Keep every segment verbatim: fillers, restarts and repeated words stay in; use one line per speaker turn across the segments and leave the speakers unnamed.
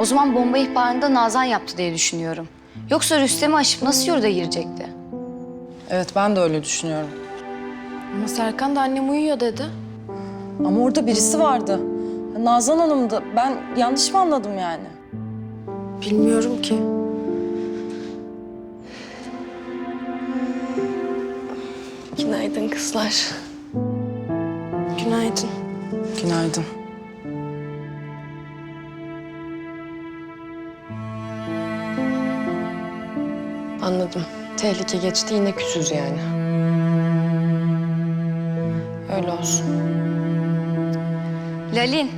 zaman bomba ihbarını da Nazan yaptı diye düşünüyorum. Yoksa Rüstem'i aşıp nasıl yurda girecekti?
Evet, ben de öyle düşünüyorum.
Ama Serkan da annem uyuyor dedi.
Ama orada birisi vardı. Nazan Hanım'dı. Ben yanlış mı anladım yani?
Bilmiyorum ki. Günaydın kızlar. Günaydın.
Günaydın.
Anladım. Tehlike geçti, yine küsüz yani. Öyle olsun.
Lalin,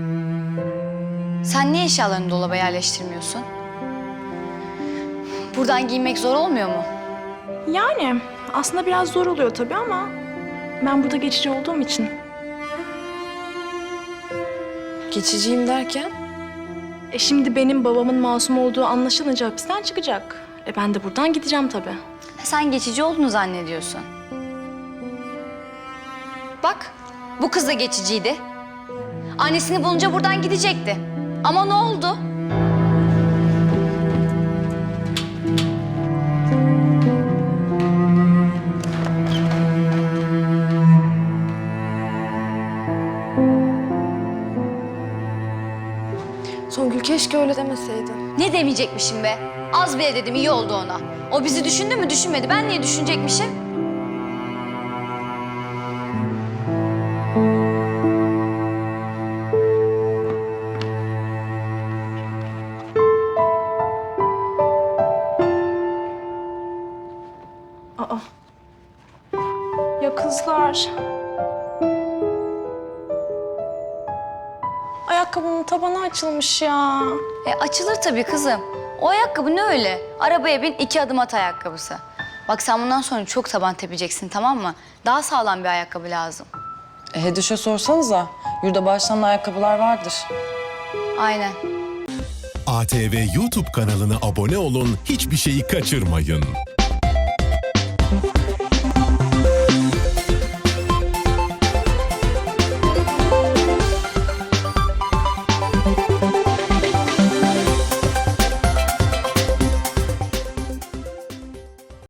sen niye eşyalarını dolaba yerleştirmiyorsun? Buradan giymek zor olmuyor mu?
Yani aslında biraz zor oluyor tabii ama ben burada geçici olduğum için.
Geçiciyim derken?
E şimdi benim babamın masum olduğu anlaşılınca hapisten çıkacak. E ben de buradan gideceğim tabii.
Sen geçici olduğunu zannediyorsun. Bak, bu kız da geçiciydi. Annesini bulunca buradan gidecekti. Ama ne oldu?
Songül keşke öyle demeseydin.
Ne demeyecekmişim be? Az bile dedim, iyi oldu ona. O bizi düşündü mü düşünmedi. Ben niye düşünecekmişim?
Aa. Ya kızlar. Ayakkabımın tabanı açılmış ya.
E, açılır tabii kızım. O ayakkabı ne öyle? Arabaya bin, iki adım at ayakkabısı. Bak sen bundan sonra çok taban tepeceksin, tamam mı? Daha sağlam bir ayakkabı lazım.
E, Hediş'e sorsanıza. Yurda bağışlanan ayakkabılar vardır.
Aynen.
A T V YouTube kanalına abone olun, hiçbir şeyi kaçırmayın.